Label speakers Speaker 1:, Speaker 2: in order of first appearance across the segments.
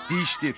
Speaker 1: Değiştir.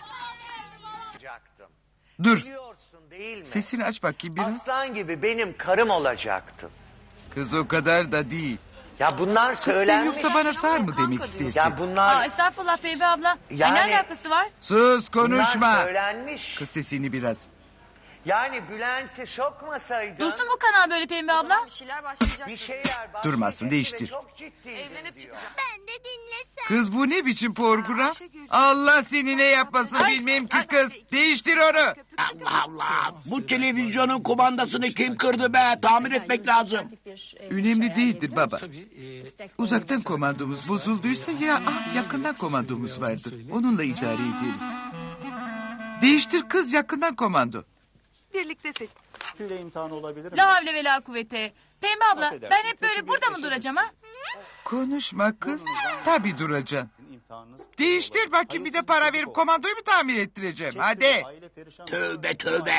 Speaker 1: Dur.
Speaker 2: Biliyorsun değil mi?
Speaker 1: Sesini aç bakayım biraz.
Speaker 2: Aslan gibi benim karım olacaktın.
Speaker 1: Kız o kadar da değil.
Speaker 2: Ya bunlar
Speaker 1: Kız sen
Speaker 2: söylenmiş.
Speaker 1: yoksa bana sar mı demek istersin?
Speaker 2: Ya bunlar
Speaker 3: Estağfurullah Pembe abla.
Speaker 2: Yani-
Speaker 3: Ne alakası var?
Speaker 1: Sus
Speaker 2: bunlar
Speaker 1: konuşma.
Speaker 2: söylenmiş.
Speaker 1: Kız sesini biraz.
Speaker 2: Yani Bülent'i sokmasaydın.
Speaker 3: Dursun bu kanal böyle Pembe abla.
Speaker 4: Bir şeyler başlayacak.
Speaker 2: Bir şeyler
Speaker 1: Durmasın,
Speaker 2: bahsedecekti
Speaker 1: değiştir.
Speaker 2: ve Çok ciddi.
Speaker 4: Evlenip çıkacağım.
Speaker 5: Ben de dinlesem.
Speaker 1: Kız bu ne biçim program? Allah seni ne yapmasın bilmem ki kız. Değiştir onu.
Speaker 6: Allah Allah. Bu televizyonun kumandasını kim kırdı be? Tamir etmek lazım.
Speaker 1: Önemli değildir baba. Uzaktan komandomuz bozulduysa ya yakından komandomuz vardır. Onunla idare ederiz. Değiştir kız yakından komando.
Speaker 4: Birliktesin.
Speaker 7: Tüyle imtihanı olabilir mi?
Speaker 3: La havle ve la kuvvete. Pembe abla
Speaker 7: Affedersin,
Speaker 3: ben hep
Speaker 7: kötü
Speaker 3: böyle
Speaker 7: bir
Speaker 3: burada mı
Speaker 7: eşe
Speaker 3: duracağım ha?
Speaker 1: Konuşma kız. Tabii duracaksın.
Speaker 7: İmtihanınız
Speaker 1: Değiştir bakayım bir de para verip komandoyu mu tamir ettireceğim? Hadi.
Speaker 7: aile perişan.
Speaker 6: Tövbe tövbe.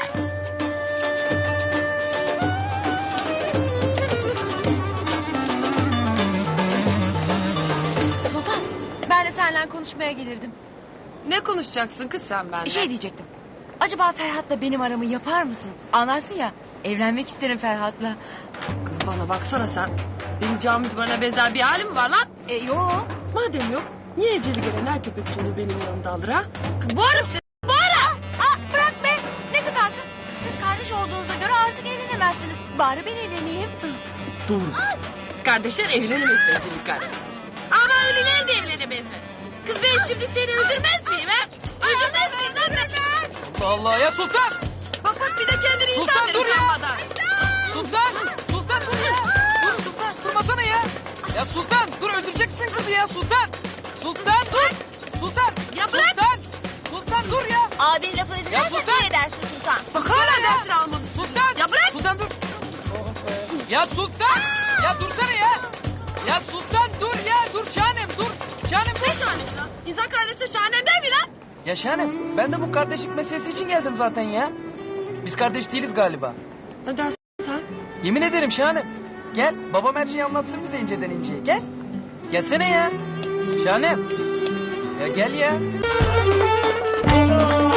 Speaker 5: Sultan, ben de seninle konuşmaya gelirdim.
Speaker 4: Ne konuşacaksın kız sen benimle?
Speaker 5: Bir şey diyecektim. Acaba Ferhat'la benim aramı yapar mısın? Anlarsın ya, evlenmek isterim Ferhat'la.
Speaker 4: Kız bana baksana sen. Benim cami duvarına benzer bir halim var lan.
Speaker 5: Yok.
Speaker 4: Madem yok, niye eceli gelen her köpek soluğu benim yanımda alır ha? Kız boğarım seni.
Speaker 5: Bırak be, ne kızarsın? Siz kardeş olduğunuza göre artık evlenemezsiniz. Bari ben evleneyim.
Speaker 4: Doğru. Kardeşler evlenemez kesinlikle. Ama öyleler de evlenemezler. Kız ben şimdi seni öldürmez miyim ha? Öldürmez miyim lan ben?
Speaker 8: Allah ya Sultan!
Speaker 4: Bak bir de kendini
Speaker 8: Sultan,
Speaker 4: insan
Speaker 8: dur
Speaker 4: verir
Speaker 8: ya!
Speaker 4: utanmadan.
Speaker 8: Sultan! Sultan dur ya! Dur Sultan durmasana ya! Ya Sultan dur öldüreceksin kızı ya Sultan! Sultan dur! Sultan!
Speaker 4: Ya bırak!
Speaker 8: Sultan! Sultan dur ya!
Speaker 5: Abin lafı edilirse
Speaker 8: Sultan!
Speaker 5: ne edersin Sultan?
Speaker 4: Bak hala dersini almamışsın.
Speaker 8: Sultan!
Speaker 4: Ya bırak!
Speaker 8: Sultan dur! Ya Sultan! Ya dursana ya! Ya Sultan dur ya! Dur Şahanem dur! Şahanem
Speaker 4: Ne
Speaker 8: dur!
Speaker 4: şahanesi lan? İnsan kardeşi şahane der mi lan?
Speaker 8: Ya Şahanem ben de bu kardeşlik meselesi için geldim zaten ya. Biz kardeş değiliz galiba.
Speaker 4: Ne dersin sen?
Speaker 8: Yemin ederim Şahanem. Gel babam her şeyi anlatsın bize inceden inceye. Gel. Gelsene ya. Şahanem. Ya gel ya.